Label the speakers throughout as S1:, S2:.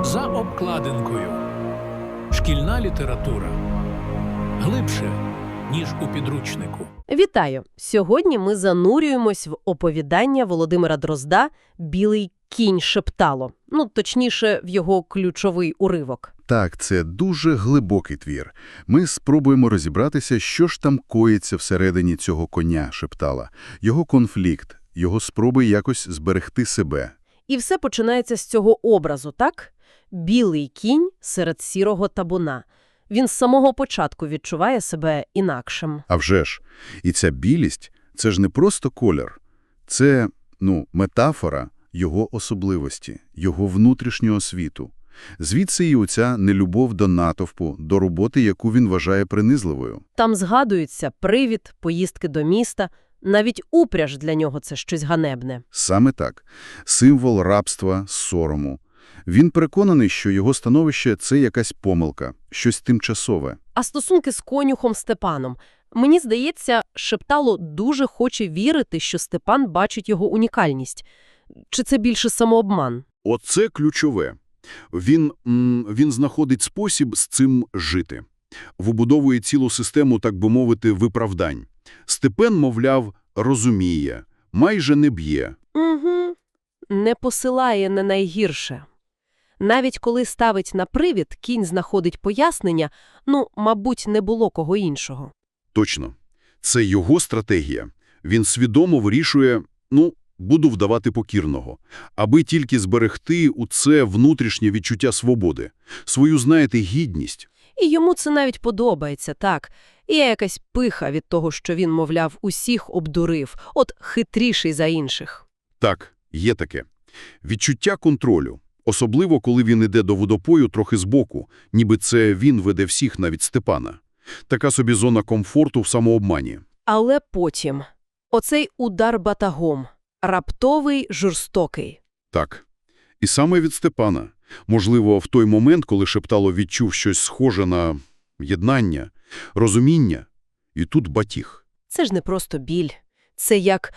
S1: За обкладинкою. Шкільна література. Глибше, ніж у підручнику.
S2: Вітаю! Сьогодні ми занурюємось в оповідання Володимира Дрозда «Білий кінь шептало». Точніше, в його ключовий уривок.
S3: Так, це дуже глибокий твір. Ми спробуємо розібратися, що ж там коїться всередині цього коня шептала. Його конфлікт, його спроби якось зберегти себе.
S2: І все починається з цього образу, так? Білий кінь серед сірого табуна. Він з самого початку відчуває себе інакшим.
S3: А вже ж. І ця білість – це ж не просто колір. Це, метафора його особливості, його внутрішнього світу. Звідси і оця нелюбов до натовпу, до роботи, яку він вважає принизливою.
S2: Там згадуються привід, поїздки до міста, навіть упряж для нього – це щось ганебне.
S3: Саме так. Символ рабства, сорому. Він переконаний, що його становище – це якась помилка, щось тимчасове.
S2: А стосунки з конюхом Степаном. Мені здається, Шептало дуже хоче вірити, що Степан бачить його унікальність. Чи це більше самообман?
S4: Оце ключове. Він знаходить спосіб з цим жити. Вибудовує цілу систему, так би мовити, виправдань. Степан, мовляв, розуміє, майже не б'є.
S2: Угу. Не посилає на найгірше. Навіть коли ставить на привід, кінь знаходить пояснення, мабуть, не було кого іншого.
S4: Точно. Це його стратегія. Він свідомо вирішує, буду вдавати покірного, аби тільки зберегти у це внутрішнє відчуття свободи, свою, гідність.
S2: І йому це навіть подобається, так. І є якась пиха від того, що він, мовляв, усіх обдурив, хитріший за інших.
S4: Так, є таке. Відчуття контролю. Особливо, коли він іде до водопою трохи збоку, ніби це він веде всіх, навіть Степана. Така собі зона комфорту в самообмані.
S2: Але потім. Оцей удар батагом. Раптовий, жорстокий.
S4: Так. І саме від Степана. Можливо, в той момент, коли Шептало відчув щось схоже на єднання, розуміння, і тут батіг.
S2: Це ж не просто біль. Це як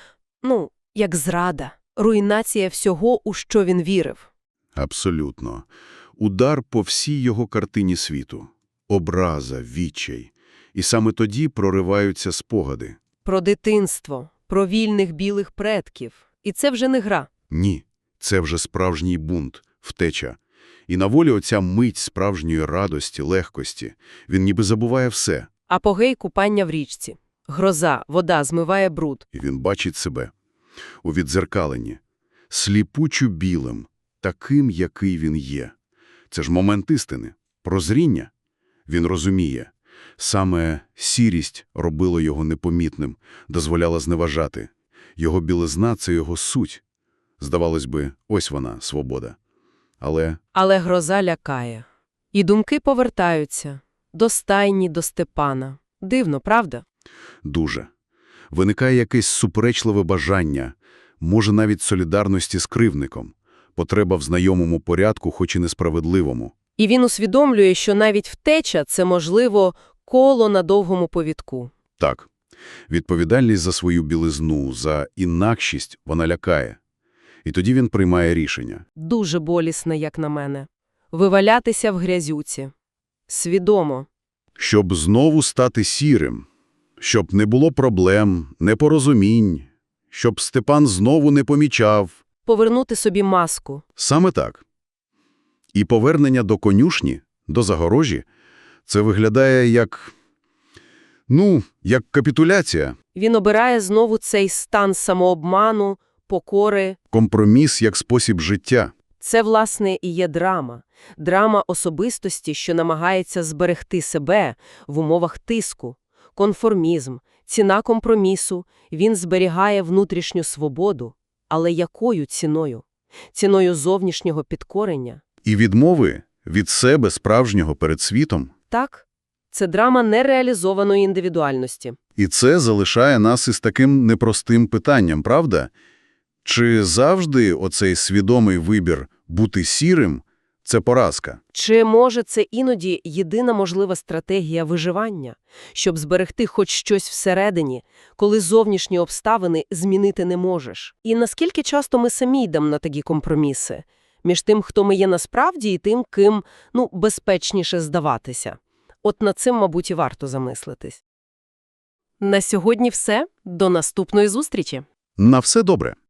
S2: зрада, руйнація всього, у що він вірив.
S3: Абсолютно. Удар по всій його картині світу. Образа, відчай. І саме тоді прориваються спогади.
S2: Про дитинство, про вільних білих предків. І це вже не гра.
S3: Ні, це вже справжній бунт, втеча. І на волі оця мить справжньої радості, легкості. Він ніби забуває все.
S2: Апогей – купання в річці. Гроза, вода змиває бруд.
S3: І він бачить себе. У віддзеркаленні. Сліпучо білим. Таким, який він є. Це ж момент істини, прозріння. Він розуміє. Саме сірість робила його непомітним, дозволяла зневажати. Його білизна – це його суть. Здавалось би, ось вона, свобода. Але
S2: гроза лякає. І думки повертаються. До стайні, до Степана. Дивно, правда?
S3: Дуже. Виникає якесь суперечливе бажання, може навіть солідарності з кривдником. Потреба в знайомому порядку, хоч і несправедливому.
S2: І він усвідомлює, що навіть втеча – це, можливо, коло на довгому повідку.
S3: Так. Відповідальність за свою білизну, за інакшість вона лякає. І тоді він приймає рішення.
S2: Дуже болісне, як на мене. Вивалятися в грязюці. Свідомо.
S3: Щоб знову стати сірим. Щоб не було проблем, непорозумінь. Щоб Степан знову не помічав.
S2: Повернути собі маску.
S3: Саме так. І повернення до конюшні, до загорожі, це виглядає як капітуляція.
S2: Він обирає знову цей стан самообману, покори.
S3: Компроміс як спосіб життя.
S2: Це, власне, і є драма. Драма особистості, що намагається зберегти себе в умовах тиску. Конформізм, ціна компромісу. Він зберігає внутрішню свободу. Але якою ціною? Ціною зовнішнього підкорення.
S3: І відмови від себе справжнього перед світом.
S2: Так, це драма нереалізованої індивідуальності.
S3: І це залишає нас із таким непростим питанням, правда? Чи завжди оцей свідомий вибір бути сірим – це поразка?
S2: Чи, може, це іноді єдина можлива стратегія виживання, щоб зберегти хоч щось всередині, коли зовнішні обставини змінити не можеш? І наскільки часто ми самі йдемо на такі компроміси? між тим, хто ми є насправді, і тим, ким, безпечніше здаватися. От над цим, мабуть, і варто замислитись. На сьогодні все. До наступної зустрічі!
S3: На все добре.